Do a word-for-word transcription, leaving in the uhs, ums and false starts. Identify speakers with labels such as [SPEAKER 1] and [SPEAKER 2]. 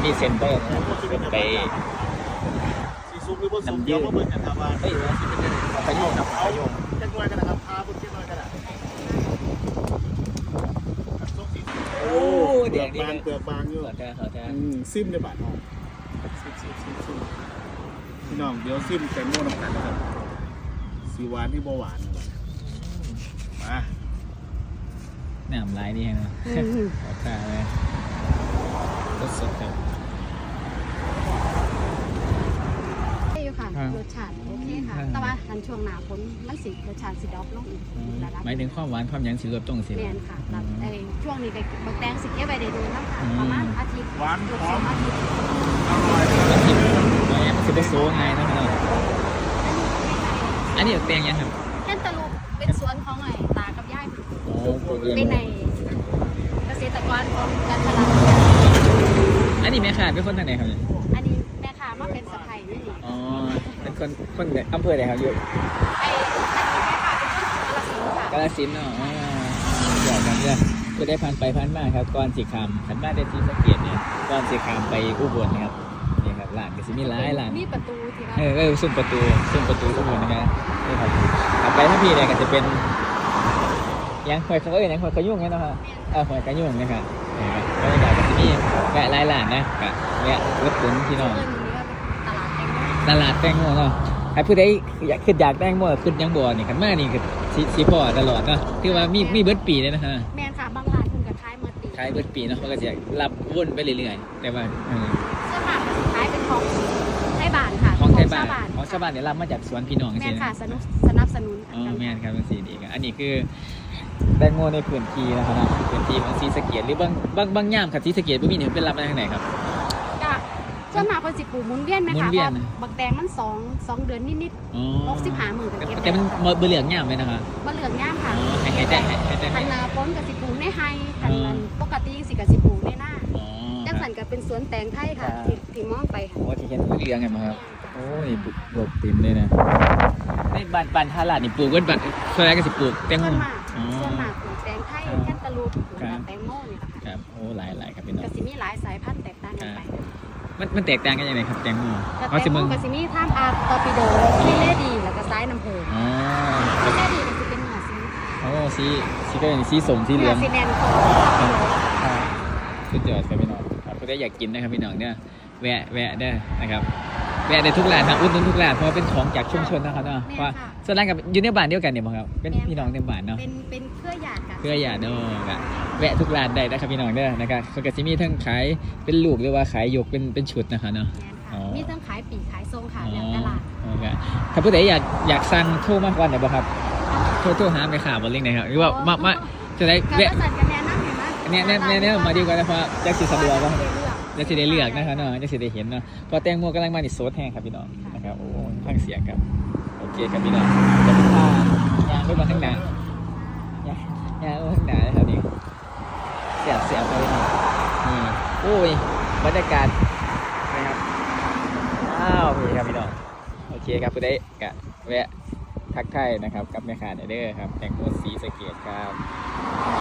[SPEAKER 1] ที่เซ็นเตอร์ไป
[SPEAKER 2] สีซุปหรือผสมเดี๋ยวมาเบิ่งกันครับว่า
[SPEAKER 1] เฮ้ยไปโยงครับไปโยง
[SPEAKER 2] จะน้อยกันนะครับพาพุ่นน้อยกันอ่ะโอ้เดือดบางเดือดบางอยู่ซิมในบาทน้องซิมซิมซิมซิมพี่น้องเดี๋ยวซิมแตงโมน้ำตาลนะครับสีหวานที่บ่หวานมา
[SPEAKER 1] หนามลายนี่ฮะขอตาเลยรสสดครับ
[SPEAKER 3] อยู่ค่ะรสชาติโอเคค่ะแต่ว่าทันช่วงหนาฝนมันสิรสชาติสิดรอปลงอีกระดับ
[SPEAKER 1] หมายถึงความหวานความยังสิลดตรงสิ
[SPEAKER 3] แน่นค่ะไอ้ช่วงนี้ก็บางแตงสิเก็บไว้ได้ดูนะค่ะประมาณอาทิตย์
[SPEAKER 2] หวานหอม
[SPEAKER 3] อาทิตย์
[SPEAKER 2] อร่อย
[SPEAKER 1] อาทิตย์แล้วเนี่ยมันสิบโซ่ไงนะครับอันนี้แตงยังครับ
[SPEAKER 3] แค่ตะลุกเป็นสวนของไอ้ตากับยาย
[SPEAKER 1] เป็น
[SPEAKER 3] ในเกษตรกรของกันตลาด
[SPEAKER 1] อันนี้แม่ค้าเป็นคนทางไหนครับเนี่ย
[SPEAKER 3] อันนี้แม่ค้ามาเป็นสะใภ้นี่
[SPEAKER 1] อ๋อเป็นคนคนอำเภอไหนครับอยู่
[SPEAKER 3] ไอ้อันนี้แม่ค้าเป็นคนกาฬสินธุ์ค่ะ
[SPEAKER 1] กาฬสินธุ์เนาะอ๋อเดี๋ยวกันเนี่ยก็ได้ผ่านไปผ่านมาครับก่อนสีขามขันมาได้ที่สะเกียดเนี่ยก่อนสีขามไปอุบลนะครับนี่ครับร้านก็สิมีหลายร้าน
[SPEAKER 3] มีประตูที่ว่า
[SPEAKER 1] เออเออซุ้มประตูซุ้มประตูอุบลนะครับนี่ครับขับไปถ้าพี่เนี่ยก็จะเป็นยังหอยเขาเอ้ยยังหอยขยุ่งเนี่ยนะครับเออหอยขยุ่งนะครับนี่ครับบรรยากาศก็จะมีแวะหลายร้านนะกับแวะรถตุ๋นพี่น้องตลาดแตงโมเนาะใครพูดได้อยากขึ้นอยากแตงโมขึ้นยังบ่อนี่กันมากนี่คือสีสีพอตลอดเนาะคือว่ามีมีเบิร์ดปีเลยนะฮะ
[SPEAKER 3] แม่ค่ะบางร้านคุณกับท้ายเมื่อปี
[SPEAKER 1] ขายเบิร์ดปีเนาะมันก็จะรับวนไปเรื่อยๆแต่ว่า
[SPEAKER 3] เสื้อผ้าขายเป็นของไทยบ้านค่ะ
[SPEAKER 1] ของไทยบ้านของชาวบ้านเนี่ยรับมาจากสวนพี่น้อง
[SPEAKER 3] แม่ค่ะสนับสนับสนุน
[SPEAKER 1] อ๋อแม่ครับเป็นสีดีกันอันนี้คือแตงโมในพื้นที่นะครับพื้นที่ของศรีสะเกษหรือบางบางบางย่ามครับศรีสะเกษบ่มีเนี่ยเป็นรับมาทางไหนครับ
[SPEAKER 3] ก็ส่วนมากคนสิปลูกมุนเวียนไหมคะเพราะบักแตงมันสองสองเดือนนิดๆหกสิบห้าหมื่นเก็บ
[SPEAKER 1] แต่มันเบลืองย่ามเลยนะคะ
[SPEAKER 3] เบลืองย่ามค่ะ
[SPEAKER 1] ให้ได้ให้ได้
[SPEAKER 3] ทันนาพ้นกับสิปลูกในไฮทันนั้นปกติสิกับสิปลูกในหน้าจังสันกับเป็นสวนแตงไทยค่ะที่ที่มองไปค่ะ
[SPEAKER 1] โอ้ที่เห็นเลี้ยงไงมาครับโอ้ยปลูกปลูกเต็มเลยนะในบ้านบ้านท่าลาดนี่ปลูกกันบัดส่วนใหญ่ก็สิปลูกแตงโม
[SPEAKER 3] ส่วนมากส่วนมากปลูกแตงไทยแคนตาลูปแตงโมนี่แหละ
[SPEAKER 1] ค่ะครับโอ้หลายหลายครับพี่น้อง
[SPEAKER 3] ก็สิมีหลายสายพันธุ์แตกต่างกันไป
[SPEAKER 1] มันมันแตกต่างกันยังไงครับแตงโม
[SPEAKER 3] แตงโมก็สิมีท่ามอาร์ตอร์ปิโดซีเลดีแล้วก็ไซส์น้ำผึ้ง
[SPEAKER 1] อ๋อ
[SPEAKER 3] ซีเลดีมันจะเป็นเนื้อสี
[SPEAKER 1] โอ้สีสีก็เป็นสีส้มสีเหลือง
[SPEAKER 3] สีแดง
[SPEAKER 1] สุดยอดครับพี่น้องครับก็ได้อยากกินนะครับพี่น้องเนี่ยแวะแวะได้นะครับแวะได้ทุกร้านนะอุดหนุนทุกร้านเพราะเป็นของจากชุมชนนะครับเนาะเพราะส่วนร้านกับอยู่ในบ้านเดียวกันเนี่ยมั้งครับเป็นพี่น้องในบ้านเนาะ
[SPEAKER 3] เป็นเป็นเครือญาติกัน
[SPEAKER 1] เครือญาติเนาะแวะทุกร้านได้นะครับพี่น้องเด้อนะครับเขาก็จะมีทั้งขายเป็นลูกหรือว่าขายยกเป็นเป็นชุดนะครับเนาะ
[SPEAKER 3] มีทั้งขายปีกขายทรงค่ะแล้วตลาด
[SPEAKER 1] ถ้าผู้ใดอยากอยากสั่งโทรมาก่อนเดี๋ยวบ่ครับโทรโทรหาไปข่าวบนลิงก์นะครับหรือว่ามามาจะได้แวะเนี่ยเนี่ยเนี่ยเนี่ยมาดีกว่านะเพราะจะสิสะดวกว่าจะสิได้เลือกนะครับเนาะจะสิได้เห็นเนาะพอแตงโมกำลังมาในโซดแห้งครับพี่น้องนะครับโอ้ฟังเสียงครับโอเคครับพี่น้องจะเป็นท่ายางด้วยมาข้างหน้ายางยางข้างหน้าครับนี่เสียบเสียบไปนี่โอ้ยบรรยากาศนะครับอ้าวพี่ครับพี่น้องโอเคครับผู้ใดกะแวะทักทายนะครับกับแม่ค้าเด้อครับแตงโมศรีสะเกษครับ